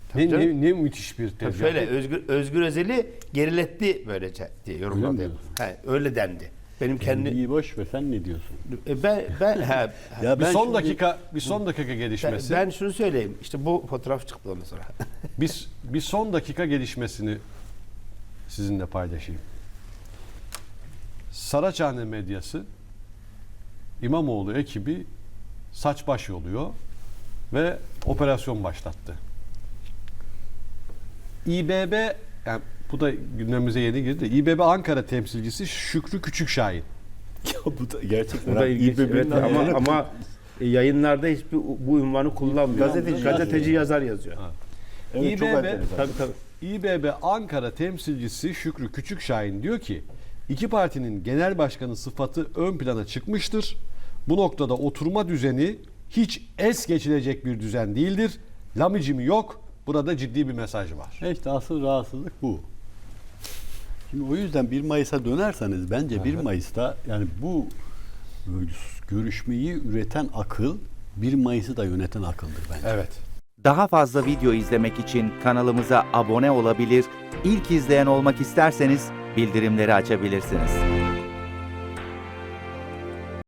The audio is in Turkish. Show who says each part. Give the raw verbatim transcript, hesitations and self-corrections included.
Speaker 1: Ne, ne, ne müthiş bir tezgah.
Speaker 2: Şöyle Özgür, Özgür Özel'i geriletti böylece diye yorumladı.
Speaker 3: Öyle mi
Speaker 2: He, öyle dendi. Benim kendi
Speaker 3: İyi boş ver, sen ne diyorsun?
Speaker 2: E, ben ben he,
Speaker 3: Ya
Speaker 1: Bir
Speaker 3: ben
Speaker 1: son
Speaker 3: şimdi-
Speaker 1: dakika bir son dakika
Speaker 2: ben,
Speaker 1: gelişmesi.
Speaker 2: ben şunu söyleyeyim. İşte bu fotoğraf çıktı ondan sonra.
Speaker 1: Biz bir son dakika gelişmesini sizinle paylaşayım. Saraçhane medyası İmamoğlu ekibi saç baş yoluyor ve operasyon başlattı. İBB, yani bu da gündemimize yeni girdi. İBB Ankara temsilcisi Şükrü Küçükşahin.
Speaker 3: Ya bu da gerçekten.
Speaker 2: Bu da ilginç. Evet, ama ama yayınlarda hiçbir bu ünvanı kullanmıyor.
Speaker 3: Gazeteci
Speaker 2: Gazeteci yazar yazıyor.
Speaker 3: Evet, çok
Speaker 1: İBB
Speaker 3: enteresan.
Speaker 2: Tabii tabii.
Speaker 1: İBB Ankara temsilcisi Şükrü Küçükşahin diyor ki iki partinin genel başkanı sıfatı ön plana çıkmıştır. Bu noktada oturma düzeni hiç es geçilecek bir düzen değildir. Lamicimi yok. Burada ciddi bir mesaj var.
Speaker 3: İşte asıl rahatsızlık bu. Şimdi o yüzden bir Mayıs'a dönerseniz bence bir Mayıs'ta yani bu e, görüşmeyi üreten akıl bir Mayıs'ı da yöneten akıldır bence.
Speaker 1: Evet.
Speaker 4: Daha fazla video izlemek için kanalımıza abone olabilir, ilk izleyen olmak isterseniz bildirimleri açabilirsiniz.